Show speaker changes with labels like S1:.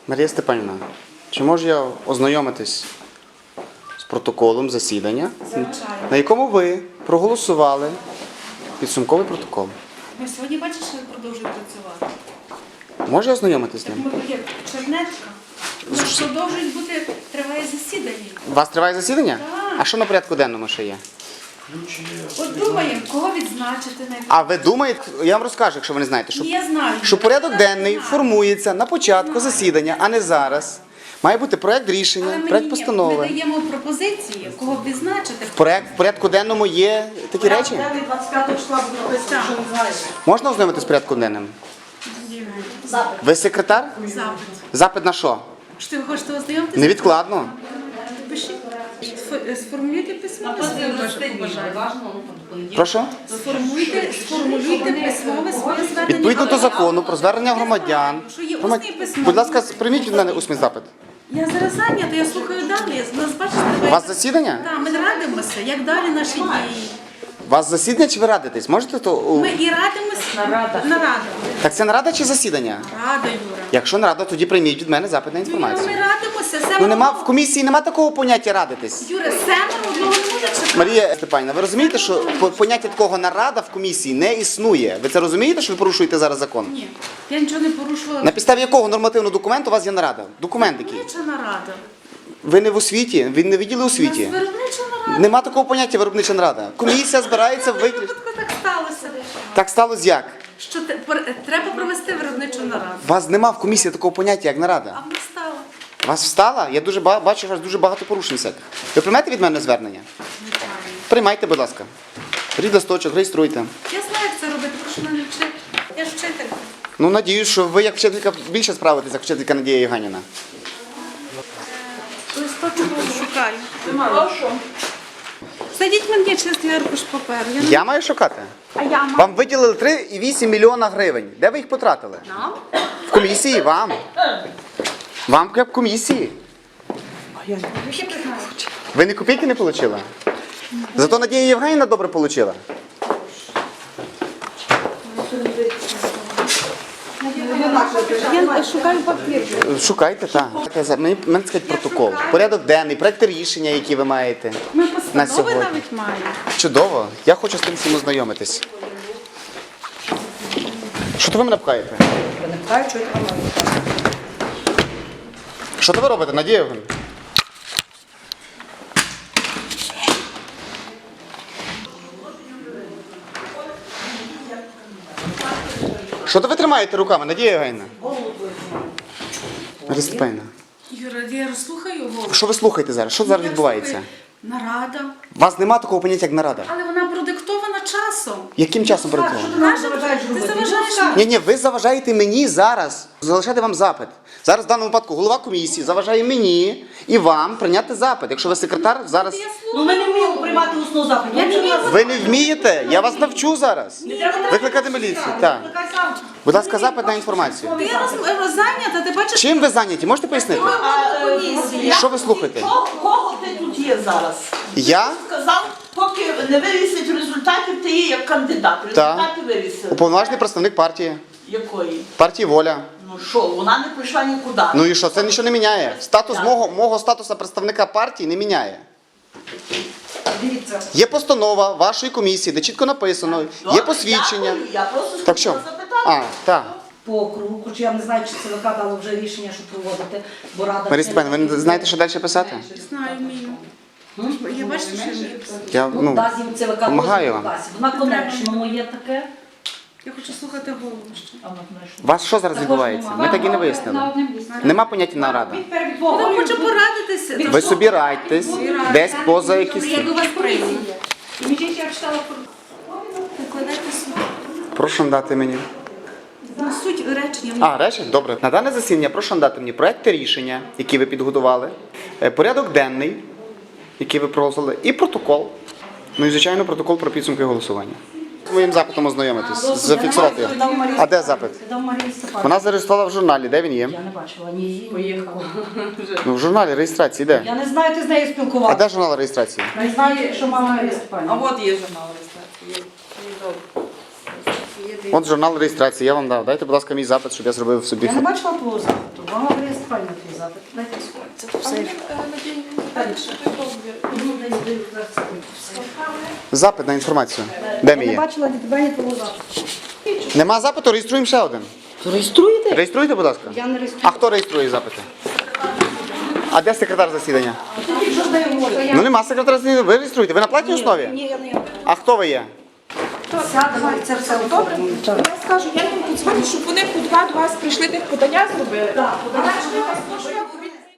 S1: Марія Степанівна, чи можу я ознайомитись з протоколом засідання, на якому ви проголосували підсумковий протокол?
S2: Ми сьогодні бачиш, що продовжує працювати.
S1: Може я ознайомитись з ним?
S2: Ми є чернетка. У нас продовжують бути, триває засідання.
S1: У вас триває засідання?
S2: Так.
S1: А що на порядку денному ще є?
S2: От думаємо, кого відзначити на
S1: А ви думаєте, я вам розкажу, якщо ви не знаєте, що,
S2: Я знаю.
S1: що порядок денний
S2: Знаю.
S1: формується на початку засідання, а не зараз. Має бути проект рішення,
S2: Але
S1: проект
S2: ми
S1: постанови.
S2: даємо пропозиції, кого б відзначити.
S1: В порядку денному є такі речі?
S3: 25 числа буде написано, що не знаєш.
S1: Можна ознайомитись з порядком денним?
S3: Запит.
S1: Ви секретар?
S2: Запит.
S1: Запит на що?
S2: Що ви хочете ознайомитися?
S1: Невідкладно.
S2: Пишіть. Сформулюйте письмове своє бажання.
S1: Прошу?
S2: Сформулюйте письмове своє звернення.
S1: Відповідно до закону про звернення громадян.
S2: Що є усний письмовий.
S1: Будь ласка, прийміть від мене усний запит.
S2: Я зараз зайнята, я слухаю далі. Нас бачите,
S1: У вас засідання?
S2: Так, ми радимося, як далі наші дії.
S1: У вас засідання чи ви радитесь? Можете то?
S2: Ми і радимося. Нарада.
S1: Так це нарада чи засідання?
S2: Рада, Юра.
S1: Якщо нарада, тоді прийміть від мене запит на
S2: Юра,
S1: інформацію.
S2: ми радимося.
S1: Ну нема в комісії нема такого поняття радитись.
S2: Юра, семеро одного не може чекати.
S1: Марія Степанівна, ви розумієте, що поняття такого нарада в комісії не існує? Ви це розумієте, що ви порушуєте зараз закон?
S2: Ні, я нічого не порушувала.
S1: На підставі якого нормативного документу у вас є нарада? Документ який?
S2: Виробнича нарада.
S1: Ви не в освіті, ви не відділи
S2: У нас
S1: освіті.
S2: виробнича нарада.
S1: Нема такого поняття виробнича нарада. Комісія збирається
S2: В
S1: виключно.
S2: випадку так сталося.
S1: Так сталося як?
S2: Що треба провести виробничу нараду.
S1: У вас нема в комісії такого поняття, як нарада.
S2: А ми стало.
S1: У вас встала? Я дуже бачу, у вас дуже багато порушень всяких. Ви приймете від мене звернення? Приймайте, будь ласка. Беріть листочок, реєструйте.
S2: Я знаю, як це робити, прошу мене вчити. Я ж вчителька.
S1: Ну, надіюсь, що ви як вчителька більше справитесь, як вчителька Надія Євгенівна.
S2: Листочок шукаю. Знайдіть мені чистий аркуш паперу.
S1: Я маю шукати?
S2: А я маю.
S1: Вам виділили 3,8 мільйона гривень. Де ви їх потратили?
S2: Нам?
S1: В комісії, вам. Вам як в комісії. Ви ні копійки не отримали? Зато Надія Євгенівна добре отримала.
S2: Я шукаю папір.
S1: Шукайте, так. Мені сказати протокол. Порядок денний, проекти рішення, які ви маєте.
S2: Ми
S1: На
S2: постанови
S1: сьогодні.
S2: навіть маємо.
S1: Чудово. Я хочу з тим всім ознайомитись. Що то ви мене пхаєте?
S3: Я не питаю, що я там маю.
S1: Що то ви робите, Надія Євгенівна? Що то ви тримаєте руками, Надія Євгенівна? Марія Степанівна,
S2: Юра, я розслухаю голову.
S1: що ви слухаєте зараз? Що зараз відбувається?
S2: Нарада.
S1: У вас немає такого поняття, як нарада.
S2: Але вона продиктована часом.
S1: Яким часом працювати?
S2: Ти заважаєш мені.
S1: Ні, ви заважаєте мені зараз залишати вам запит. Зараз в даному випадку голова комісії заважає мені і вам прийняти запит. Якщо ви секретар, зараз...
S2: Я
S3: Ну ми не вміємо приймати усну запит.
S2: Я не вмію.
S1: Ви не вмієте? Я вас навчу зараз. Викликати міліцію. Так.
S3: Викликай сам.
S1: Будь ласка, запит на інформацію.
S2: Ти зайнята, ти бачиш,
S1: Чим ви зайняті? Можете пояснити?
S2: комісії.
S1: Що ви слухаєте?
S3: Кого ти тут є зараз?
S1: Я
S3: Сказав, поки не вивісять результатів, ти є як кандидат. Результати вивісили.
S1: уповноважений представник партії.
S3: Якої?
S1: Партії «Воля».
S3: Ну що, вона не прийшла нікуди.
S1: Ну і що? Це нічого не міняє. Статус мого статусу представника партії не міняє.
S3: Дивіться.
S1: Є постанова вашої комісії, де чітко написано, є посвідчення.
S3: Дякую, я просто
S1: Так що?
S3: хотіла запитати.
S1: А, так.
S4: По округу, хоч я не знаю, чи ЦВК дало вже рішення, що проводити, бо рада...
S1: Марія Степанівна, ви не знаєте, що далі писати?
S2: Знаю, вмію. Я бачу, що я вмію писати.
S1: Я,
S4: Ну,
S1: ну,
S4: дасть їм ЦВК
S1: помагаю
S4: дозвіл
S1: вам.
S4: дасть. Вона конечному є таке.
S2: Я хочу слухати голову ще.
S1: у вас що зараз відбувається? Ми так і не вияснили. Нема поняття нарада.
S2: Я хочу порадитися.
S1: Ви собі радьтесь, десь поза якісь...
S2: Я до вас прийду. Викладайте суть.
S1: Прошу надати мені.
S2: Ну, суть речення.
S1: А, речі? Добре. На дане засідання прошу надати мені проекти рішення, які ви підготували, порядок денний, який ви проголосували, і протокол. Ну і, звичайно, протокол про підсумки голосування. З моїм запитом ознайомитись, зафіксувати його. А де запит?
S4: Дав Марії Степанівні.
S1: Вона зареєструвала в журналі. Де він є?
S4: Я не бачила ні її, ні їхала.
S1: Ну, в журналі реєстрації де?
S4: Я не знаю, ти з нею
S1: А
S4: спілкувалася.
S1: де журнал реєстрації?
S4: Не знаю, що мама Марія
S5: А
S4: Степанівна.
S5: от є журнал реєстрації. Є добре.
S1: От журнал реєстрації, я вам дав. Дайте, будь ласка, мій запит, щоб я зробив собі.
S4: Я не бачила твого запиту. Вам реєструвальний твій запит. Дайте сьогодні. Це
S5: А
S4: все.
S5: мені надію, що той договір.
S1: Запит на інформацію. Де ми
S4: Я не
S1: є?
S4: бачила ні тебе, ні твого запиту.
S1: Нема запиту, реєструємо ще один.
S4: Реєструєте?
S1: Реєструйте, будь ласка.
S4: Я не реєструю.
S1: А хто реєструє запити? А де секретар засідання?
S4: Що ж я говорю?
S1: Ну нема секретаря засідання, ви реєструєте. Ви на платній основі?
S4: Ні, я не є.
S1: А хто ви є?
S4: Сядемо, і це все
S5: Добре,
S4: оформимо. Так.
S5: я скажу, я їм подзвоню, щоб вони по два до вас прийшли тих подання зробили.
S4: Так,
S5: А якщо я вас можу, я